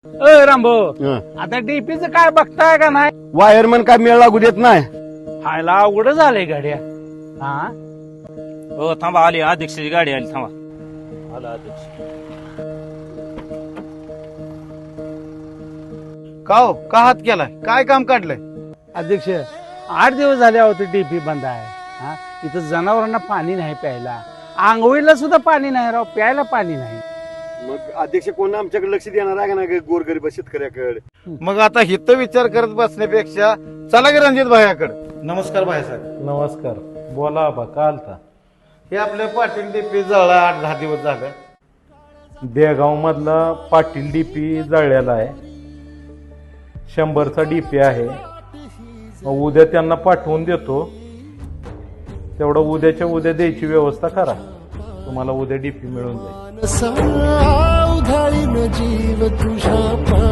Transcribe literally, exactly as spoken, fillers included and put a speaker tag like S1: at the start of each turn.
S1: अ रामभो
S2: हं.
S1: आता डीपीचं काय बघताय का नाही?
S2: वायरमन काय मेळ लागू देत नाही.
S1: खायला अवघड झालंय गाड्या. हा
S3: हो थांबा, आली अध्यक्षाची गाडी आली, थांबा. आला अध्यक्ष.
S4: का हो का हात केलाय? काय काम काढलंय?
S1: अध्यक्ष, आठ दिवस झाले होते डीपी बंद आहे. हा इथं जनावरांना पाणी नाही प्यायला, आंघोळीला सुद्धा पाणी नाही राव, प्यायला पाणी नाही.
S2: मग अध्यक्ष कोण आमच्याकडे लक्ष देणार आहे का नाही गोरगरीब शेतकऱ्याकडे?
S4: मग आता हित विचार करत बसण्यापेक्षा चला की रणजित भायाकडे. नमस्कार भाईसाहेब.
S5: नमस्कार. बोला आबा, का आलता?
S4: हे आपल्या पाटील डीपी जळला आठ दहा दिवस झालं.
S5: देगाव मधला पाटील डीपी जळलेला आहे. शंभरचा डीपी आहे. मग उद्या त्यांना पाठवून देतो. तेवढं उद्याच्या उद्या द्यायची व्यवस्था करा. तुम्हाला उद्या डीपी मिळून जाईल.
S6: उधाळीन जीव तुझ्या